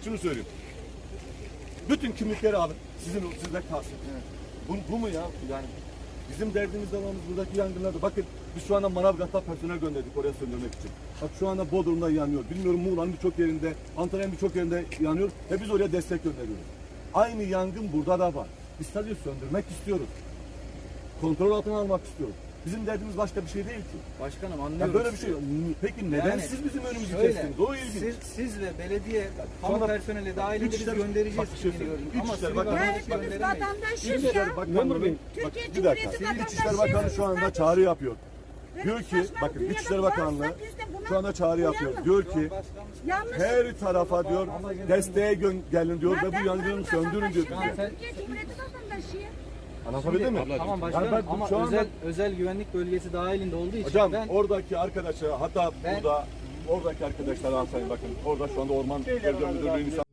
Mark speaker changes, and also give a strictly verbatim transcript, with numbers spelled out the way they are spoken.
Speaker 1: şunu söyleyeyim. Bütün kimlikleri alın. Sizin sizde kalsın. Evet. Bu, bu mu ya? Yani bizim derdimiz alanımız buradaki yangınlarda. Bakın biz şu anda Manavgat'ta personel gönderdik oraya söndürmek için. Bak şu anda Bodrum'da yanıyor. Bilmiyorum Muğla'nın birçok yerinde, Antalya'nın birçok yerinde yanıyor. Ve biz oraya destek gönderiyoruz. Aynı yangın burada da var. Biz sadece söndürmek istiyoruz. Kontrol altına almak istiyoruz. Bizim derdimiz başka bir şey değil ki.
Speaker 2: Başkanım
Speaker 1: Ya
Speaker 2: anlıyorum.
Speaker 1: böyle bir şey yok. Peki neden
Speaker 2: Yani
Speaker 1: siz bizim önümüzü
Speaker 2: şöyle,
Speaker 1: kestiniz? O ilginç.
Speaker 2: Siz, siz ve belediye kamu
Speaker 1: Sonra
Speaker 2: personeli dahilinde biz
Speaker 1: İçişleri-
Speaker 2: göndereceğiz.
Speaker 1: Bak bir şey
Speaker 2: kimliğini
Speaker 1: söyleyeyim.
Speaker 2: gördüm. Ama
Speaker 1: İçişleri
Speaker 2: sivil
Speaker 1: Bakanı-
Speaker 3: Ya
Speaker 2: vatandaş
Speaker 3: hepimiz
Speaker 2: gönderemeyiz.
Speaker 3: vatandaşız
Speaker 1: İçişleri
Speaker 3: ya.
Speaker 1: Bakanlığı,
Speaker 3: Türkiye
Speaker 1: bak,
Speaker 3: Cumhuriyeti
Speaker 1: bir dakika.
Speaker 3: vatandaşıyız
Speaker 1: İçişleri Bakanı şu anda
Speaker 3: kardeşim.
Speaker 1: çağrı yapıyor.
Speaker 3: Böyle
Speaker 1: Diyor
Speaker 3: bir
Speaker 1: ki,
Speaker 3: saçmalık
Speaker 1: bakın
Speaker 3: dünyada
Speaker 1: İçişleri
Speaker 3: varsa
Speaker 1: Bakanlığı
Speaker 3: biz de buna
Speaker 1: şu anda çağrı yapıyor.
Speaker 3: uyalım.
Speaker 1: Diyor ki
Speaker 3: Yanlış.
Speaker 1: her tarafa diyor desteğe gö- gelin diyor
Speaker 3: Ya
Speaker 1: ve bu
Speaker 3: ben
Speaker 1: yangını
Speaker 3: buranın
Speaker 1: söndürün diyor.
Speaker 3: vatandaşıyım, ben Türkiye Cumhuriyeti vatandaşıyım.
Speaker 1: Anlatabildim mi?
Speaker 2: Tamam
Speaker 1: Yani
Speaker 2: başkanım
Speaker 1: ben
Speaker 2: ama
Speaker 1: şu anda-
Speaker 2: özel özel güvenlik bölgesi dahilinde olduğu için
Speaker 1: Hocam
Speaker 2: ben
Speaker 1: oradaki arkadaşlar hatta
Speaker 2: Ben-
Speaker 1: burada oradaki arkadaşlar alsayın bakın orada şu anda orman bölge müdürlüğü